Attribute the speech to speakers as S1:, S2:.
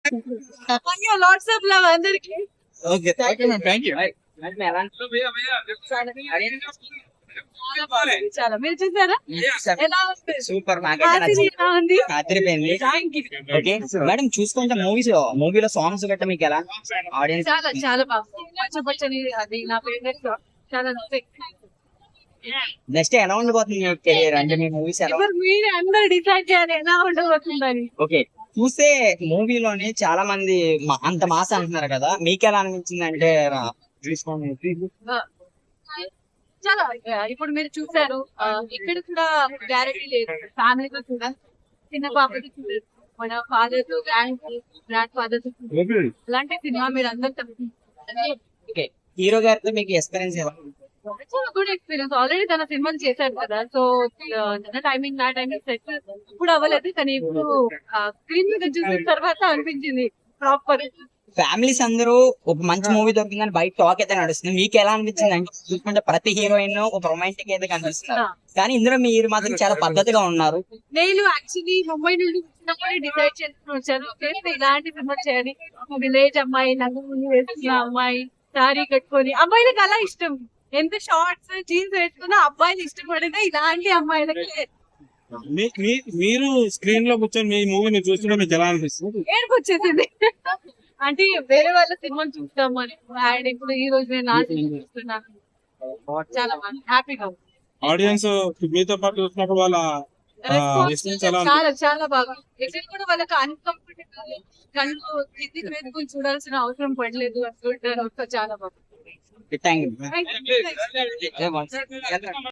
S1: LADS of love అందరికి.
S2: Okay thank you.
S1: చాలా మీరు చూసారా ఎలా ఉంది?
S2: సూపర్.
S1: హాసిని ఎలా ఉంది?
S2: అదిరిపోయింది.
S1: Thank you.
S2: ఓకే మేడం, చూసుకుంటే మూవీలో సాంగ్స్ గట్రా మీకు ఎలా ఆడియన్స్?
S1: చాలా చాలా బాగుంది. పచ్చని అది నా ఫేవరెట్. చాలా నచ్చింది.
S2: నెక్స్ట్ ఎలా ఉండబోతుంది మీ కెరీర్? అంటే మీ మూవీస్ ఎలా?
S1: ఎవరు మీరు అందరు డిసైడ్ చేయాలి ఎలా ఉండబోతుందని.
S2: ఓకే, చూస్తే మూవీలోనే చాలా మంది అంత మాస అంటున్నారు కదా, మీకు ఎలా అనిపించింది? అంటే
S1: చాలా ఇప్పుడు మీరు చూసారు ఇక్కడ కూడా గ్యారెంటీ లేదు. ఫ్యామిలీతో కూడా చిన్న పాపకి చూడలేదు, మన ఫాదర్ తో గ్రాండ్ ఫాదర్ తో అలాంటి సినిమా మీరు అందరూ.
S2: ఓకే, హీరో గారితో మీకు ఎక్స్పీరియన్స్ ఎలా?
S1: చాలా గుడ్ ఎక్స్పీరియన్స్. ఆల్రెడీ తన సినిమాలు చేశారు కదా, సో తన టైమింగ్ నా టైమింగ్ సెట్ ఇప్పుడు అవ్వలేదు, కానీ ఇప్పుడు స్క్రీన్ మీద చూసిన తర్వాత అనిపించింది ప్రాపర్.
S2: ఫ్యామిలీస్ అందరూ ఒక మంచి మూవీ దొరికిందని బయట టాక్ అయితే నడుస్తుంది. మీకు ఎలా అనిపించింది? అంటే చూసుకుంటే ప్రతి హీరోయిన్ ఒక రొమాంటిక్ అయితే కనిపిస్తున్నారు, కానీ ఇందులో మీరు మాత్రం చాలా పద్ధతిగా ఉన్నారు.
S1: నేను యాక్చువల్లీ ముంబై నుండి వచ్చినప్పుడు డిసైడ్ చేసుకుని వచ్చాను, ఇలాంటి సినిమా చేయాలి. విలేజ్ అమ్మాయి, నంగముని వేసుకున్న అమ్మాయి, సారీ కట్టుకొని. అమ్మాయిలకు అలా ఇష్టం, ఎంత షార్ట్స్ జీన్స్ వేసుకున్నా అబ్బాయిలు ఇష్టపడితే ఇలాంటి అమ్మాయిలకి.
S3: మీరు స్క్రీన్ లో కూర్చొని మీ మూవీని చూస్తుంటే మీకు ఎలా అనిపిస్తుంది?
S1: ఏడుపు వచ్చేసింది. అంటే వేరే వాళ్ళ సినిమాలు చూస్తాం అని, అండ్ ఇప్పుడు ఈ రోజు నేను నా సినిమా చూస్తున్నాను. చాలా హ్యాపీగా ఉంది.
S3: ఆడియన్స్ మీతో పాటు చూసినప్పుడు వాళ్ళ
S1: రెస్పాన్స్ చాలా చాలా బాగా. ఎక్కడ కూడా వాళ్ళకి అన్కంఫర్టబుల్, కళ్ళు కిందికి వేసుకొని చూడాల్సిన అవసరం పడలేదు అనుకుంటారు. చాలా బాగా.
S2: Thank you.